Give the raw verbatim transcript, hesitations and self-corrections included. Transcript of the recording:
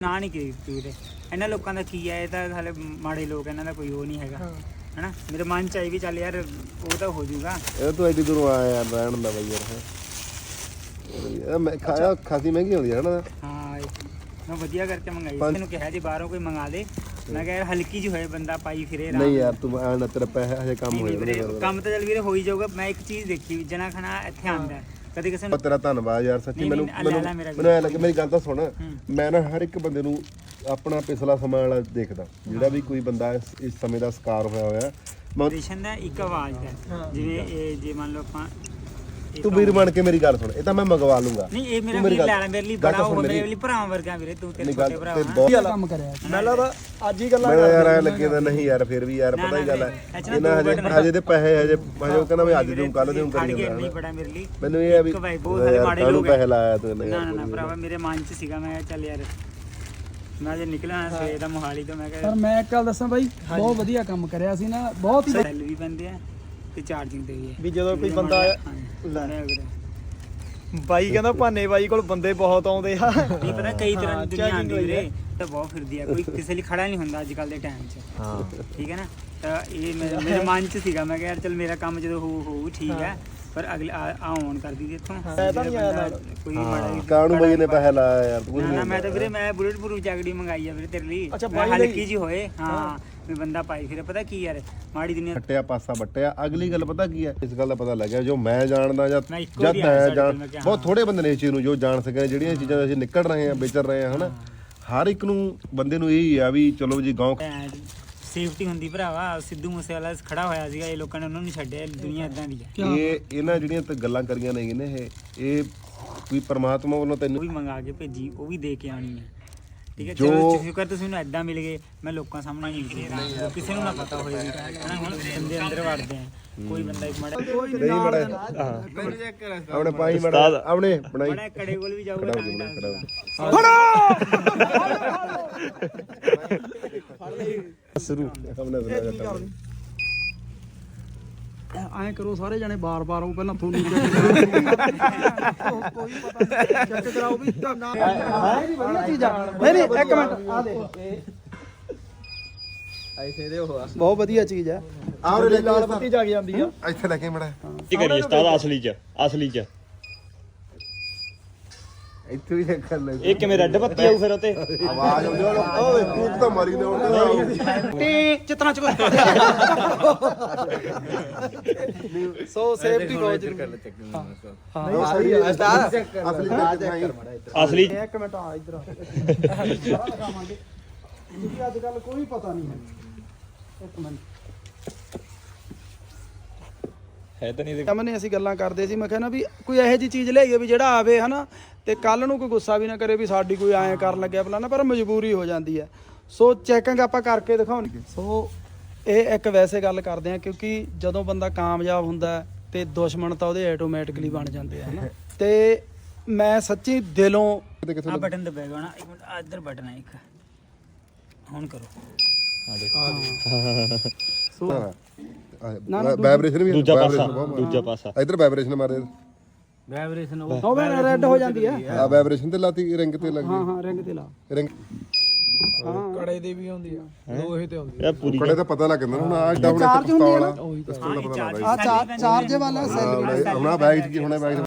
ਨਾ ਨਹੀਂ ਕੀਤੀ ਵੀਰੇ। ਇਹਨਾਂ ਲੋਕਾਂ ਦਾ ਕੀ ਹੈ, ਇਹ ਤਾਂ ਹਾਲੇ ਮਾੜੇ ਲੋਕ, ਇਹਨਾਂ ਦਾ ਕੋਈ ਉਹ ਨਹੀਂ ਹੈਗਾ ਹਨਾ। ਮੇਰੇ ਮਨ ਚ ਆਈ ਵੀ ਚੱਲ ਯਾਰ ਉਹ ਤਾਂ ਹੋ ਜਾਊਗਾ। ਇਹ ਤੂੰ ਐਡੀ ਦੂਰੋਂ ਆਇਆ ਯਾਰ ਰਹਿਣ ਦਾ ਬਈ ਯਾਰ। ਮੈਂ ਖਾਇਆ ਖਾਸੀ ਮਹਿੰਗੀ ਹੁੰਦੀ ਹੈ ਹਨਾ। ਹਾਂ ਮੈਂ ਵਧੀਆ ਕਰਕੇ ਮੰਗਾਈ, ਤੈਨੂੰ ਕਿਹਾ ਜੀ ਬਾਹਰੋਂ ਕੋਈ ਮੰਗਾ ਦੇ। ਮੈਂ ਕਿਹਾ ਹਲਕੀ ਜਿਹੀ ਹੋਏ ਬੰਦਾ ਪਾਈ ਫਿਰੇ। ਨਹੀਂ ਯਾਰ ਤੂੰ ਆਣ ਤੇਰਾ ਪੈਸੇ ਹਜੇ ਕੰਮ ਹੋ ਜਾਣਾ। ਕੰਮ ਤਾਂ ਚੱਲ ਵੀਰੇ ਹੋ ਹੀ ਜਾਊਗਾ। ਮੈਂ ਇੱਕ ਚੀਜ਼ ਦੇਖੀ, ਜਨਾ ਖਾਣਾ ਇੱਥੇ ਆਉਂਦਾ ਕਦੇ ਕਿਸੇ ਨੂੰ। ਤੇਰਾ ਧੰਨਵਾਦ ਯਾਰ ਸੱਚੀ। ਮੈਨੂੰ ਮੈਨੂੰ ਮੈਨੂੰ ਐ ਲੱਗੇ, ਮੇਰੀ ਗੱਲ ਤਾਂ ਸੁਣ, ਮੈਂ ਨਾ ਹਰ ਇੱਕ ਬੰਦੇ ਨੂੰ ਆਪਣਾ ਪਿਛਲਾ ਸਮਾਂ ਵਾਲਾ ਦੇਖਦਾ, ਜਿਹੜਾ ਵੀ ਕੋਈ ਬੰਦਾ ਇਸ ਸਮੇਂ ਦਾ ਸ਼ਿਕਾਰ ਹੋਇਆ ਹੋਇਆ। ਜਨਰੇਸ਼ਨ ਦਾ ਇੱਕ ਆਵਾਜ਼ ਹੈ, ਜਿਵੇਂ ਇਹ ਜੇ ਮੰਨ ਲਓ ਆਪਾਂ ਤੂੰ ਵੀਰ ਬਣ ਕੇ ਮੇਰੀ ਗੱਲ ਸੁਣ, ਇਹ ਤਾਂ ਮੈਂ ਮੰਗਵਾ ਲੂੰਗਾ। ਨਹੀਂ ਇਹ ਮੇਰਾ ਵੀਰ ਲੈਣਾ ਮੇਰੇ ਲਈ ਬੜਾ ਹੋ, ਮੇਰੇ ਲਈ ਭਰਾ ਵਰਗਾ ਵੀਰੇ। ਤੂੰ ਤੇਰੇ ਛੋਟੇ ਭਰਾ ਬਹੁਤ ਕੰਮ ਕਰਿਆ ਮੈਂ ਲੱਗਦਾ ਅੱਜ ਹੀ ਗੱਲਾਂ ਮੈਂ ਯਾਰ ਐ ਲੱਗੇ ਤਾਂ ਨਹੀਂ ਯਾਰ, ਫਿਰ ਵੀ ਯਾਰ ਪਤਾ ਹੀ ਗੱਲ ਹੈ ਇਹਨਾਂ ਹਜੇ ਹਜੇ ਤੇ ਪੈਸੇ ਹਜੇ ਹਜੇ ਉਹ ਕਹਿੰਦਾ ਮੈਂ ਅੱਜ ਦੇਉਂ ਕੱਲ ਦੇਉਂ ਕਰੀ ਜਾਂਦਾ। ਨਹੀਂ ਬੜਾ ਮੇਰੇ ਲਈ ਮੈਨੂੰ ਇਹ ਆ ਵੀ ਬਹੁਤ ਸਾਰੇ ਮਾੜੇ ਲੋਕ ਪੈਸੇ ਲਾਇਆ ਤੂੰ। ਨਾ ਨਾ ਭਰਾਵਾ ਮੇਰੇ ਮਨ ਚ ਸੀਗਾ, ਮੈਂ ਚੱਲ ਯਾਰ ਮੈਂ ਜੇ ਨਿਕਲਣਾ ਸਵੇਰ ਦਾ ਮੋਹਾਲੀ ਤੋਂ। ਮੈਂ ਕਿਹਾ ਪਰ ਮੈਂ ਇੱਕ ਗੱਲ ਦੱਸਾਂ ਬਾਈ, ਬਹੁਤ ਵਧੀਆ ਕੰਮ ਕਰਿਆ ਸੀ ਨਾ। ਬਹੁਤ ਹੀ ਸੈੱਲ ਵੀ ਪੈਂਦੇ ਆ ਤੇ ਚਾਰਜਿੰਗ ਤੇ ਵੀ ਹੈ। ਵੀ ਜਦੋਂ ਕੋਈ ਬੰਦਾ ਬਾਈ ਕਹਿੰਦਾ ਭਾਨੇ ਬਾਈ ਕੋਲ ਬੰਦੇ ਬਹੁਤ ਆਉਂਦੇ ਆ। ਨਹੀਂ ਪਤਾ ਕਈ ਤਰ੍ਹਾਂ ਦੀ ਦੁਨੀਆ ਆਉਂਦੀ ਵੀਰੇ, ਤਾਂ ਬਹੁਤ ਫਿਰਦੀ ਆ। ਕੋਈ ਕਿਸੇ ਲਈ ਖੜਾ ਨਹੀਂ ਹੁੰਦਾ ਅੱਜ ਕੱਲ ਦੇ ਟਾਈਮ 'ਚ। ਹਾਂ ਠੀਕ ਹੈ ਨਾ। ਤਾਂ ਇਹ ਮੇਰੇ ਮਨ 'ਚ ਸੀਗਾ, ਮੈਂ ਕਿਹਾ ਯਾਰ ਚੱਲ ਮੇਰਾ ਕੰਮ ਜਦੋਂ ਹੋਊ ਹੋਊ ਠੀਕ ਹੈ, ਪਰ ਅਗਲੇ ਆਉਣ ਕਰਦੀ ਸੀ ਇੱਥੋਂ ਕੋਈ ਮਾੜਾ ਕਾਹਨੂੰ ਬਾਈ ਨੇ ਪੈਸੇ ਲਾਇਆ ਯਾਰ ਤੂੰ। ਨਾ ਮੈਂ ਤਾਂ ਵੀਰੇ ਮੈਂ ਬੁਲਟ ਪ੍ਰੂਫ ਜੈਕਟ ਮੰਗਾਈ ਆ ਵੀਰੇ ਤੇਰੇ ਲਈ। ਹਲਕੀ ਜੀ ਹੋਏ ਹਾਂ ਵੀ ਬੰਦਾ ਪਾਈ ਫਿਰੇ। ਪਤਾ ਕੀ ਯਾਰ ਮਾੜੀ ਦੁਨੀਆ ਫੱਟਿਆ ਪਾਸਾ ਵੱਟਿਆ। ਅਗਲੀ ਗੱਲ ਪਤਾ ਕੀ ਹੈ, ਇਸ ਗੱਲ ਦਾ ਪਤਾ ਲੱਗਿਆ ਜੋ ਮੈਂ ਜਾਣਦਾ ਜਾਂ ਜਦ ਮੈਂ ਜਾਣ ਬਹੁਤ ਥੋੜੇ ਬੰਦੇ ਨੇ ਇਸ ਚੀਜ਼ ਨੂੰ ਜੋ ਜਾਣ ਸਕੇ, ਜਿਹੜੀਆਂ ਚੀਜ਼ਾਂ ਅਸੀਂ ਨਿਕਲ ਰਹੇ ਹਾਂ ਵਿਚਰ ਰਹੇ ਹਾਂ ਹਨਾ। ਹਰ ਇੱਕ ਨੂੰ ਬੰਦੇ ਨੂੰ ਇਹੀ ਆ ਵੀ ਚਲੋ ਜੀ ਗਾਉਂ ਸੇਫਟੀ ਹੁੰਦੀ ਭਰਾਵਾ। ਸਿੱਧੂ ਮੂਸੇਵਾਲਾ ਖੜਾ ਹੋਇਆ ਸੀਗਾ, ਇਹ ਲੋਕਾਂ ਨੇ ਉਹਨਾਂ ਨੂੰ ਛੱਡਿਆ। ਦੁਨੀਆ ਇਦਾਂ ਦੀ ਹੈ। ਇਹ ਇਹਨਾਂ ਜਿਹੜੀਆਂ ਤੇ ਗੱਲਾਂ ਕਰੀਆਂ ਨੇ ਇਹ ਇਹ ਕੋਈ ਪਰਮਾਤਮਾ ਵੱਲੋਂ ਤੈਨੂੰ ਵੀ ਮੰਗਾ ਕੇ ਭੇਜੀ, ਉਹ ਵੀ ਦੇ ਕੇ ਆਣੀ ਹੈ ਠੀਕ ਹੈ। ਚਲੋ ਸ਼ੁਕਰ ਤੁਸੀਂ ਮੈਨੂੰ ਇਦਾਂ ਮਿਲ ਗਏ, ਮੈਂ ਲੋਕਾਂ ਸਾਹਮਣੇ ਨਹੀਂ ਨਿਕਲਿਆ, ਕਿਸੇ ਨੂੰ ਨਾ ਪਤਾ ਹੋਏ ਹਨਾ। ਹੁਣ ਬੰਦੇ ਅੰਦਰ ਵੜਦੇ ਆ, ਕੋਈ ਬੰਦਾ ਇੱਕ ਮਾੜਾ ਨਹੀਂ ਬੜਾ ਆਪਣੇ ਪਾਈ ਮੜਾ ਆਪਣੇ ਬਣਾਈ ਬੜਾ ਕੜੇ ਕੋਲ ਵੀ ਜਾਊਗਾ ਤਾਂ ਸ਼ੁਰੂ ਆਪਣਾ ਐਂ ਕਰੋ ਸਾਰੇ ਜਣੇ ਬਾਰ-ਬਾਰ ਉਹ ਪਹਿਲਾਂ ਤੁਹਾਨੂੰ ਕੋਈ ਪਤਾ ਨਹੀਂ ਚੈੱਕ ਕਰਾਓ ਵੀ ਨਾ ਹੈ ਵਧੀਆ ਚੀਜ਼ ਆ। ਨਹੀਂ ਨਹੀਂ ਇੱਕ ਮਿੰਟ ਆ ਦੇ ਐਸੇ ਦੇ ਉਹ ਬਹੁਤ ਵਧੀਆ ਚੀਜ਼ ਆ। ਆਹ ਲਾਲ ਬੱਤੀ ਜਗ ਜਾਂਦੀ ਆ ਇੱਥੇ ਲੈ ਕੇ ਮੜਾ ਕੀ ਕਰੀਏ ਉਸਤਾਦ ਅਸਲੀ ਚ ਅਸਲੀ ਚ ਇੱਥੇ ਵੀ ਕਰ ਲੈ। ਇਹ ਕਿਵੇਂ ਰੈੱਡ ਬੱਤੀ ਆਊ ਫਿਰ ਉਤੇ ਆਵਾਜ਼ ਆਉਂਦੀ ਓਏ ਤੂੰ ਤਾਂ ਮਾਰੀ ਨਾ ਹੁਣ ਟੀ ਚਿਤਨਾ ਚ ਸੋ ਸੇਫਟੀ ਬਹੁਤ ਜ਼ਰੂਰੀ ਹਾਂ ਹਾਂ ਸਹੀ ਹੈ ਉਸਤਾਦ ਅਸਲੀ ਤੇ ਅਸਲੀ ਇੱਕ ਮਿੰਟ ਆ ਇਧਰ ਸਾਰਾ ਦਿਖਾਵਾਂਗੇ ਕਿਉਂਕਿ ਅੱਜ ਕੱਲ ਕੋਈ ਪਤਾ ਨਹੀਂ ਹੈ। ਇੱਕ ਮਿੰਟ ਹੈ ਤਾਂ ਨਹੀਂ ਕਮਨੇ ਅਸੀਂ ਗੱਲਾਂ ਕਰਦੇ ਸੀ, ਮੈਂ ਕਹਿੰਦਾ ਵੀ ਕੋਈ ਇਹੋ ਜਿਹੀ ਚੀਜ਼ ਲਿਆਈਏ ਵੀ ਜਿਹੜਾ ਆਵੇ ਹਨਾ ਤੇ ਕੱਲ ਨੂੰ ਕੋਈ ਗੁੱਸਾ ਵੀ ਨਾ ਕਰੇ ਵੀ ਸਾਡੀ ਕੋਈ ਐਂ ਕਰਨ ਲੱਗਿਆ ਫਲਾਣਾ, ਪਰ ਮਜਬੂਰੀ ਹੋ ਜਾਂਦੀ ਹੈ। ਸੋ ਚੈਕਿੰਗ ਆਪਾਂ ਕਰਕੇ ਦਿਖਾਉਣਗੇ। ਸੋ ਇਹ ਇੱਕ ਵੈਸੇ ਗੱਲ ਕਰਦੇ ਆ ਕਿਉਂਕਿ ਜਦੋਂ ਬੰਦਾ ਕਾਮਯਾਬ ਹੁੰਦਾ ਤੇ ਦੁਸ਼ਮਣ ਤਾਂ ਉਹਦੇ ਆਟੋਮੈਟਿਕਲੀ ਬਣ ਜਾਂਦੇ ਆ ਹਨਾ। ਤੇ ਮੈਂ ਸੱਚੀ ਦਿਲੋਂ ਆ ਬਟਨ ਦਬਾਏਗਾ ਨਾ, ਇੱਕ ਮਿੰਟ ਇੱਧਰ ਬਟਨ ਹੈ ਇੱਕ, ਹੁਣ ਕਰੋ ਵਾਈਬ੍ਰੇਸ਼ਨ ਵੀ ਦੂਜਾ ਪਾਸਾ ਦੂਜਾ ਪਾਸਾ ਇਧਰ ਵਾਈਬ੍ਰੇਸ਼ਨ ਮਾਰੇ ਵਾਈਬ੍ਰੇਸ਼ਨ ਉਹ ਉਹ ਰੈੱਡ ਹੋ ਜਾਂਦੀ ਹੈ। ਆ ਵਾਈਬ੍ਰੇਸ਼ਨ ਤੇ ਲਾਤੀ ਰਿੰਗ ਤੇ ਲੱਗੀ। ਹਾਂ ਹਾਂ ਰਿੰਗ ਤੇ ਲਾ ਰਿੰਗ ਹਾਂ ਕੜੇ ਦੀ ਵੀ ਹੁੰਦੀ ਆ, ਲੋਹੇ ਤੇ ਹੁੰਦੀ ਇਹ ਪੂਰੀ ਕੜੇ ਤਾਂ ਪਤਾ ਲੱਗ ਜਾਂਦਾ ਹੁਣ ਆ ਡਾਊਨ ਪਿਸਤੌਲ ਵਾਲਾ ਪਿਸਤੌਲ ਦਾ ਪਤਾ ਲੱਗਦਾ ਆ ਚਾਰਜ ਵਾਲਾ ਸੈੱਲ ਹੁਣ ਆ ਬੈਗ ਚ ਕੀ ਹੋਣਾ ਬੈਗ